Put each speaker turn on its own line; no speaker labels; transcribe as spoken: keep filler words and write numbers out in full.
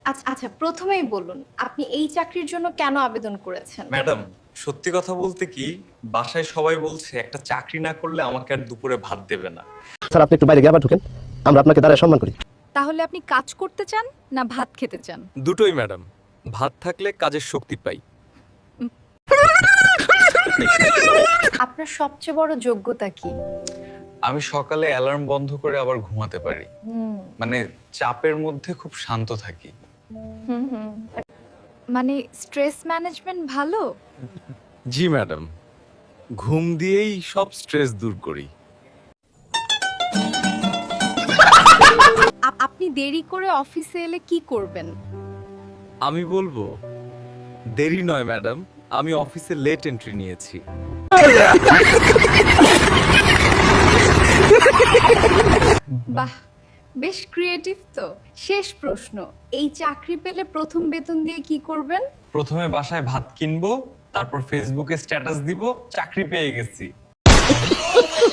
আচ্ছা আচ্ছা প্রথমেই বলুন আপনি এই চাকরির জন্য কেন আবেদন করেছেন?
ম্যাডাম, সত্যি কথা বলতে কি, বাসায় সবাই বলছে একটা চাকরি না করলে আমাকে আর দুপুরে ভাত দেবে না।
স্যার আপনি একটু বাইরে গিয়ে আবার ঢুকেন, আমরা আপনাকে দাঁড়ায় সম্মান করি।
তাহলে আপনি কাজ করতে চান না ভাত খেতে চান?
দুটোই ম্যাডাম, ভাত থাকলে কাজের শক্তি পাই।
আপনার সবচেয়ে বড় যোগ্যতা কি?
আমি সকালে অ্যালার্ম বন্ধ করে আবার ঘুমাতে পারি।
হুম
মানে চাপের মধ্যে খুব শান্ত থাকি।
হুম হুম
মানে স্ট্রেস ম্যানেজমেন্ট ভালো?
জি ম্যাডাম, ঘুম দিয়েই সব স্ট্রেস দূর করি।
আপ- আপনি দেরি করে অফিসে এলে কি করবেন?
আমি বলবো দেরি নয় ম্যাডাম, আমি অফিসে লেট এন্ট্রি নিয়েছি।
বাহ বেশ ক্রিয়েটিভ তো। শেষ প্রশ্ন, এই চাকরি পেলে প্রথম বেতন দিয়ে কি করবেন?
প্রথমে বাসায় ভাত কিনবো, তারপর ফেসবুকে স্ট্যাটাস দিব চাকরি পেয়ে গেছি।